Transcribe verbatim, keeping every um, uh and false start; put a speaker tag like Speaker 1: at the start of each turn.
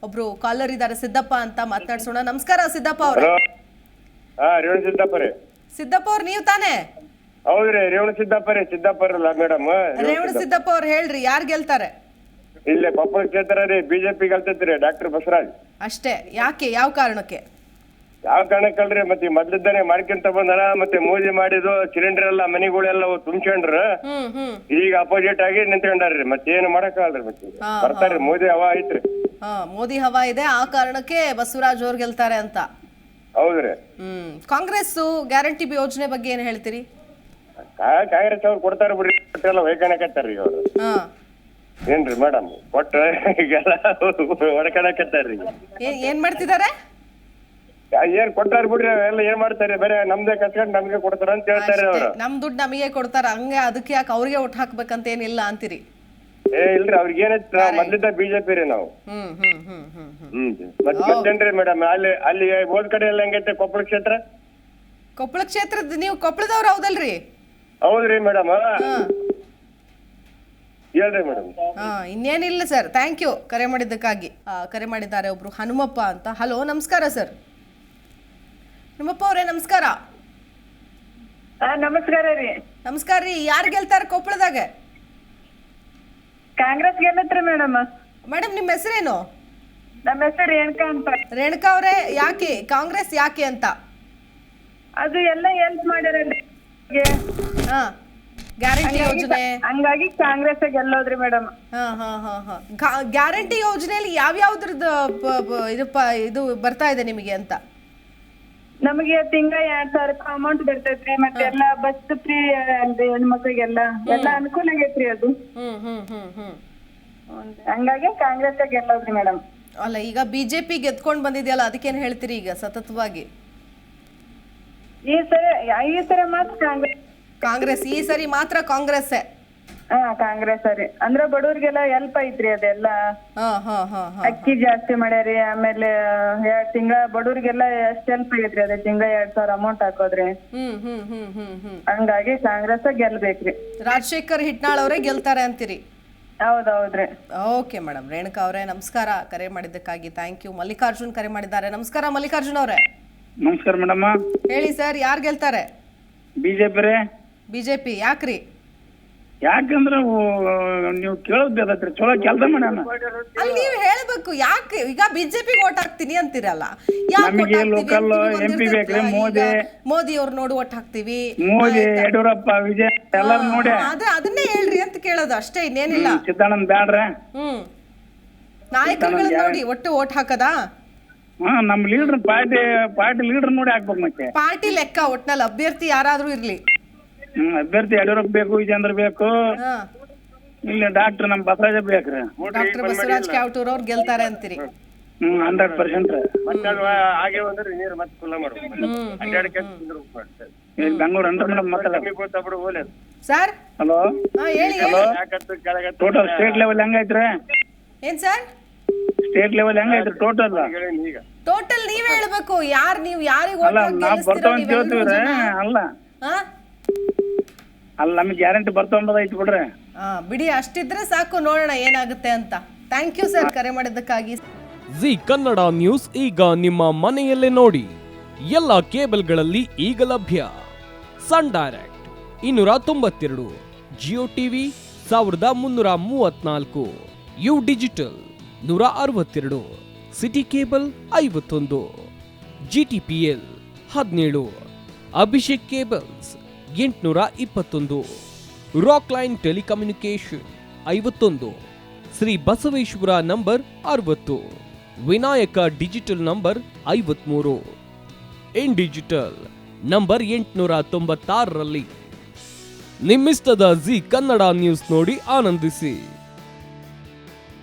Speaker 1: ಒಬ್ರು ಕಾಲರ್ ಇದ್ದಾರೆ ಸಿದ್ದಪ್ಪ ಅಂತ ಮಾತನಾಡ್ಸೋಣ. ನಮಸ್ಕಾರ ಸಿದ್ದಪ್ಪ ಅವ್ರೆ.
Speaker 2: ಹಾ ರೇವಣ ಸಿದ್ದಪ್ಪ ರೀ.
Speaker 1: ಸಿದ್ದಪ್ಪ ಅವ್ರು ನೀವು ತಾನೇ?
Speaker 2: ಹೌದ್ರಿ, ರೇವಣ ಸಿದ್ದಪ್ಪ ರೀ. ಸಿದ್ದಪ್ಪ ಅಲ್ಲ ಮೇಡಮ್.
Speaker 1: ರೇವಣ ಸಿದ್ದಪ್ಪ ಅವ್ರು ಹೇಳ್ರಿ, ಯಾರು ಗೆಲ್ತಾರೆ?
Speaker 2: ಇಲ್ಲೇ ಕೊಪ್ಪಳ ಕ್ಷೇತ್ರ ರೀ, ಬಿಜೆಪಿ ಗೆಲ್ತೈತ್ರಿ ಡಾಕ್ಟರ್ ಬಸವರಾಜ್.
Speaker 1: ಅಷ್ಟೇ? ಯಾಕೆ, ಯಾವ ಕಾರಣಕ್ಕೆ?
Speaker 2: ಯಾವ ಕಾರಣಕ್ಕಲ್ರಿ, ಮತ್ತೆ ಮೊದ್ಲಿದ್ದಾನೆ ಮಾಡ್ಕೊಂತ ಬಂದಾರ. ಮತ್ತೆ ಮೋದಿ ಮಾಡಿದ್ದು ಸಿಲಿಂಡರ್ ಎಲ್ಲ ಮನೆಗಳೆಲ್ಲ ತುಂಬ್ಕೊಂಡ್ರ,
Speaker 1: ಹ್ಮ್ ಹ್ಮ್
Speaker 2: ಈಗ ಅಪೋಸಿಟ್ ಆಗಿ ನಿಂತ್ಕೊಂಡಾರ್ರಿ. ಮತ್ತೆ ಏನು ಮಾಡಕ್ಕಾಗಲ್ರಿ, ಮತ್ತೆ ಬರ್ತಾರ್ರಿ. ಮೋದಿ ಹವಾ ಐತ್ರಿ.
Speaker 1: ಹಾ, ಮೋದಿ ಹವಾ ಇದೆ, ಆ ಕಾರಣಕ್ಕೆ ಬಸವರಾಜ್ ಅವ್ರು ಗೆಲ್ತಾರೆ ಅಂತ.
Speaker 2: ಹೌದ್ರಿ.
Speaker 1: ಹ್ಮ್ ಕಾಂಗ್ರೆಸ್ ಗ್ಯಾರಂಟಿ ಯೋಜನೆ ಬಗ್ಗೆ ಏನ್ ಹೇಳ್ತೀರಿ?
Speaker 2: ಕಾಂಗ್ರೆಸ್ ಅವ್ರು ಕೊಡ್ತಾರ ಬಿಡ್ರಿ, ಎಲ್ಲ ಹೊಯ್ಕಣಕತ್ತಾರ್ರಿ ಅವ್ರು.
Speaker 1: ಹಾ
Speaker 2: ಏನ್ರಿ ಮೇಡಮ್, ಕೊಟ್ಟ ಈಗೆಲ್ಲ ಹೊಡ್ಕಣಕತ್ತಾರ್ರಿ.
Speaker 1: ಏನ್ ಮಾಡ್ತಿದ್ದಾರೆ?
Speaker 2: ಏನ್ ಕೊಟ್ಟಾರ ಬಿಡ್ರಿ, ಎಲ್ಲ ಏನ್ ಮಾಡ್ತಾರೆ, ಬೇರೆ ನಮ್ದೇ ಕಸ್ಕೊಂಡ್ ನಮ್ಗೆ ಕೊಡ್ತಾರ ಅಂತ ಹೇಳ್ತಾರೆ ಅವ್ರು.
Speaker 1: ನಮ್ ದುಡ್ಡು ನಮಗೆ ಕೊಡ್ತಾರ, ಹಂಗೆ ಅದಕ್ಕೆ ಯಾಕೆ ಅವ್ರಿಗೆ ಒಟ್ಟು ಹಾಕ್ಬೇಕಂತ ಏನಿಲ್ಲ ಅಂತೀರಿ?
Speaker 2: ಏ ಇಲ್ರಿ, ಅವ್ರಿಗೆ ಏನೈತಿ, ನಾವ್ ಮೊದ್ಲಿದ್ದ ಬಿಜೆಪಿ ರೀ ನಾವು.
Speaker 1: ಹ್ಮ್ ಹ್ಮ್ ಹ್ಮ್ ಹ್ಮ್ ಹ್ಮ್
Speaker 2: ಹ್ಮ್ ಮತ್ತೆ ಮತ್ತೇನ್ರಿ ಮೇಡಮ್, ಅಲ್ಲಿ ಅಲ್ಲಿ ಹೋದ್ ಕಡೆ ಎಲ್ಲ ಹೆಂಗೈತೆ ಕೊಪ್ಪಳ ಕ್ಷೇತ್ರ?
Speaker 1: ಕೊಪ್ಪಳ ಕ್ಷೇತ್ರದ ನೀವು ಕೊಪ್ಪಳದವ್ರು ಹೌದಲ್ರಿ?
Speaker 2: ಹೌದ್ರಿ ಮೇಡಮ್. ಹೇಳ್ರಿ ಮೇಡಮ್.
Speaker 1: ಹಾ ಇನ್ನೇನಿಲ್ಲ ಸರ್, ಥ್ಯಾಂಕ್ ಯು ಕರೆ ಮಾಡಿದ್ದಕ್ಕಾಗಿ. ಕರೆ ಮಾಡಿದ್ದಾರೆ ಒಬ್ರು ಹನುಮಪ್ಪ ಅಂತ. ಹಲೋ, ನಮಸ್ಕಾರ ಸರ್. ಹನುಮಪ್ಪ ಅವರೇ ನಮಸ್ಕಾರ.
Speaker 3: ನಮಸ್ಕಾರ ರೀ.
Speaker 1: ನಮಸ್ಕಾರ ರೀ. ಯಾರು ಗೆಲ್ತಾರೆ ಕೊಪ್ಪಳದಾಗ?
Speaker 3: ಕಾಂಗ್ರೆಸ್ ಗೆಲ್ಲತ್ರಿ ಮೇಡಮ್.
Speaker 1: ಮೇಡಮ್ ನಿಮ್ಮ ಹೆಸರೇನು?
Speaker 3: ನಮ್ಮ ಹೆಸರು ರೇಣುಕಾ ಅಂತ.
Speaker 1: ರೇಣುಕಾ ಅವರೇ, ಯಾಕೆ ಕಾಂಗ್ರೆಸ್ ಯಾಕೆ ಅಂತ?
Speaker 3: ಅದು ಎಲ್ಲ ಹೆಲ್ಪ್ ಮಾಡ್ಯಾರಲ್ರಿ,
Speaker 1: ಹಾ ಗ್ಯಾರಂಟಿ ಯೋಜನೆ,
Speaker 3: ಹಂಗಾಗಿ ಕಾಂಗ್ರೆಸ್ ಗೆಲ್ಲೋದ್ರಿ ಮೇಡಮ್.
Speaker 1: ಹಾ ಹಾ ಹಾ ಹಾ ಗ್ಯಾರಂಟಿ ಯೋಜನೆಯಲ್ಲಿ ಯಾವ್ಯಾವ್ದ್ರದ್ದು ಇದು ಪ- ಇದು ಬರ್ತಾ ಇದೆ ನಿಮಗೆ ಅಂತ?
Speaker 3: ನಮಗೆ ತಿಂಗಳ ಎರಡ್ ಸಾವಿರ ರೂಪಾಯಿ ಅಮೌಂಟ್ ಬರ್ತೈತ್ರಿ. ಮತ್ತೆ ಎಲ್ಲಾ ಬಸ್ ಫ್ರೀ ಅಲ್ರಿ ಹೆಣ್ಮಕ್ಳಿಗೆಲ್ಲ, ಎಲ್ಲಾ ಅನುಕೂಲ ಆಗೈತ್ರಿ ಅದು.
Speaker 1: ಹ್ಮ್ ಹ್ಮ್ ಹ್ಮ್ ಹ್ಮ್
Speaker 3: ಹಂಗಾಗಿ ಕಾಂಗ್ರೆಸ್ ಗೆಲ್ಲೋದ್ರಿ ಮೇಡಮ್.
Speaker 1: ಅಲ್ಲ, ಈಗ ಬಿಜೆಪಿ ಗೆದ್ಕೊಂಡ್ ಬಂದಿದೆಯಲ್ಲ, ಅದಕ್ಕೇನ್ ಹೇಳ್ತೀರಿ ಈಗ ಸತತವಾಗಿ?
Speaker 3: ಈ ಸರಿ ಈ ಸರಿ ಮಾತ್ರ ಕಾಂಗ್ರೆಸ್.
Speaker 1: ಕಾಂಗ್ರೆಸ್ ಈ ಸರಿ ಮಾತ್ರ ಕಾಂಗ್ರೆಸ್.
Speaker 3: ಹಾ ಕಾಂಗ್ರೆಸ್ ರೀ. ಅಂದ್ರ ಬಡವ್ರಿಗೆಲ್ಲ ಹೆಲ್ಪ್ ಐತ್ರಿ ಅದೆಲ್ಲ.
Speaker 1: ಹಾ ಹಾ ಹಾ ಹಾ
Speaker 3: ಅಕ್ಕಿ ಜಾಸ್ತಿ ಮಾಡ್ಯಾರಿ. ಆಮೇಲೆ ಎರಡ್ ತಿಂಗಳ ಬಡವ್ರಿಗೆಲ್ಲ ಎಷ್ಟ್ ಹೆಲ್ಪ್ ಆಗೈತ್ರಿ, ಅದೇ ತಿಂಗಳ ಎರಡ್ ಸಾವಿರ ಅಮೌಂಟ್ ಹಾಕೋದ್ರಿ.
Speaker 1: ಹ್ಮ್ ಹ್ಮ್ ಹ್ಮ್ ಹ್ಮ್ ಹ್ಮ್
Speaker 3: ಹಂಗಾಗಿ ಕಾಂಗ್ರೆಸ್ ಗೆಲ್ಬೇಕ್ರಿ.
Speaker 1: ರಾಜಶೇಖರ್ ಹಿಟ್ನಾಳ್ ಅವರೇ ಗೆಲ್ತಾರೆ ಅಂತೀರಿ?
Speaker 3: ಹೌದೌದ್ರಿ.
Speaker 1: Okay madam. ರೇಣುಕಾ ಅವರೇ ನಮಸ್ಕಾರ, ಕರೆ ಮಾಡಿದ್ದಕ್ಕಾಗಿ ಥ್ಯಾಂಕ್ ಯು. ಮಲ್ಲಿಕಾರ್ಜುನ್ ಕರೆ ಮಾಡಿದ್ದಾರೆ. ನಮಸ್ಕಾರ ಮಲ್ಲಿಕಾರ್ಜುನ್ ಅವರೇ.
Speaker 4: ನಮಸ್ಕಾರ ಮೇಡಮ್.
Speaker 1: ಹೇಳಿ ಸರ್, ಯಾರು ಗೆಲ್ತಾರೆ?
Speaker 4: ಬಿಜೆಪಿ ರೀ.
Speaker 1: ಬಿಜೆಪಿ ಯಾಕ್ರಿ?
Speaker 4: ಯಾಕಂದ್ರ ನೀವು ಕೇಳೋದ್ರಿ, ಚಲೋ ಕೆಲಸ ಮಾಡ್ಯಾನ.
Speaker 1: ಅಲ್ಲಿ ನೀವು ಹೇಳ್ಬೇಕು ಯಾಕೆ. ಈಗ ಬಿಜೆಪಿ ಓಟ್ ಹಾಕ್ತೀನಿ ಅಂತೀರಲ್ಲ,
Speaker 4: ನಮಗೆ ಲೋಕಲ್ ಎಂಪಿ ಬೇಕ್ರಿ. ಮೋದಿ
Speaker 1: ಮೋದಿ ಅವ್ರು ನೋಡಿ ಓಟ್ ಹಾಕ್ತಿವಿ.
Speaker 4: ಮೋದಿ, ಯಡಿಯೂರಪ್ಪ, ವಿಜಯ್ ಎಲ್ಲಾರು ನೋಡಿ
Speaker 1: ಅದೇ ಅದನ್ನೇ ಹೇಳ್ರಿ ಅಂತ ಕೇಳೋದು ಅಷ್ಟೇ, ಇನ್ನೇನಿಲ್ಲ.
Speaker 4: ಸಿದ್ದಾನಂದ್ ಬ್ಯಾಡ್ರ.
Speaker 1: ಹ್ಮ್ ನಾಯಕರುಗಳನ್ನ ನೋಡಿ ಒಟ್ಟು ಓಟ್ ಹಾಕದಾ?
Speaker 4: ಹಾ, ನಮ್ ಲೀಡರ್ ಪಾರ್ಟಿ ಪಾರ್ಟಿ ಲೀಡರ್ ನೋಡಿ ಹಾಕ್ಬೇಕು. ಮತ್ತೆ
Speaker 1: ಪಾರ್ಟಿ ಲೆಕ್ಕ, ಒಟ್ನಲ್ಲಿ ಅಭ್ಯರ್ಥಿ ಯಾರಾದ್ರೂ ಇರ್ಲಿ.
Speaker 4: ಹ್ಮ್ ಅಭ್ಯರ್ಥಿ ಯಡಿಯೂರಪ್ಪ ಬೇಕು, ವಿಜೇಂದ್ರ ಬೇಕು,
Speaker 1: ಹಾ
Speaker 4: ಇಲ್ಲಿ ಡಾಕ್ಟರ್ ನಮ್ ಬಸವರಾಜ ಬೇಕ್ರಿ.
Speaker 1: ಡಾಕ್ಟರ್ ಬಸವರಾಜ್ ಕ್ಯಾವಟೂರ್ ಅವ್ರು ಗೆಲ್ತಾರೆ ಅಂತೀರಿ?
Speaker 4: Hmm hundred percent.
Speaker 2: ಮತ್ತೆ ಅದು ಹಾಗೆ ಬಂದ್ರೆ ನೀರು ಮತ್ತೆ ಫುಲ್ಲ ಮಾಡ್ಬೇಕು. ಅಡ್ಡಾಡಕ್ಕೆ
Speaker 4: ಬೆಂಗಳೂರು ಅಂದ್ರೆ ಮೇಡಮ್. ಮತ್ತೆ
Speaker 1: ಸರ್
Speaker 4: ಹಲೋ,
Speaker 1: ಹಾ ಹೇಳಿ ಹೇಳಿ.
Speaker 4: ಟೋಟಲ್ ಸ್ಟೇಟ್ ಲೆವೆಲ್ ಹೆಂಗೈತ್ರಿ?
Speaker 1: ಏನ್ ಸರ್
Speaker 4: ಸ್ಟೇಟ್ ಲೆವೆಲ್ ಹೆಂಗೈತ್ರಿ ಟೋಟಲ್?
Speaker 2: ಈಗ
Speaker 1: ಟೋಟಲ್ ನೀವ್ ಹೇಳ್ಬೇಕು. ಯಾರ್ ನೀವ್ ಯಾರಿಗ್
Speaker 4: ಅಲ್ಲ, ನಾವ್ ಬರ್ತಾವ ಅಂತ ಹೇಳ್ತೀವ್ರಿ. ಅಲ್ಲ ಅಲ್ಲ ನಮ್ಗೆ ಗ್ಯಾರಂಟಿ ಬರ್ತಾವ ಐತಿ ಬಿಡ್ರಿ.
Speaker 1: ಹಾ ಬಿಡಿ, ಅಷ್ಟಿದ್ರೆ ಸಾಕು, ನೋಡೋಣ ಏನಾಗುತ್ತೆ ಅಂತ. ಥ್ಯಾಂಕ್ ಯು ಸರ್ ಕರೆ ಮಾಡಿದ್ದಕ್ಕಾಗಿ.
Speaker 5: ಜಿ ಕನ್ನಡ ನ್ಯೂಸ್ ಈಗ ನಿಮ್ಮ ಮನೆಯಲ್ಲೇ ನೋಡಿ. ಎಲ್ಲ ಕೇಬಲ್ಗಳಲ್ಲಿ ಈಗ ಲಭ್ಯ. ಸನ್ ಡೈರೆಕ್ಟ್ ಇನ್ನೂರ ತೊಂಬತ್ತೆರಡು, ಜಿಯೋ ಟಿವಿ ಸಾವಿರದ ಮುನ್ನೂರ ಮೂವತ್ನಾಲ್ಕು, ಯು ಡಿಜಿಟಲ್ ನೂರ ಅರವತ್ತೆರಡು, ಸಿಟಿ ಕೇಬಲ್ ಐವತ್ತೊಂದು, ಜಿ ಟಿ ಪಿ ಎಲ್ ಹದಿನೇಳು, ಅಭಿಷೇಕ್ ಕೇಬಲ್ಸ್ ಎಂಟುನೂರ ಇಪ್ಪತ್ತೊಂದು, ರಾಕ್ ಲೈನ್ ಟೆಲಿಕಮ್ಯುನಿಕೇಶನ್ ಐವತ್ತೊಂದು, ಶ್ರೀ ಬಸವೇಶ್ವರ ನಂಬರ್ ಅರವತ್ತು, ವಿನಾಯಕ ಡಿಜಿಟಲ್ ನಂಬರ್ ಐವತ್ಮೂರು, ಇನ್ ಡಿಜಿಟಲ್ ನಂಬರ್ ಎಂಟುನೂರ ತೊಂಬತ್ತಾರರಲ್ಲಿ. ನಿಮ್ಮಿಸ್ತದ ಜಿ ಕನ್ನಡ ನ್ಯೂಸ್ ನೋಡಿ ಆನಂದಿಸಿ.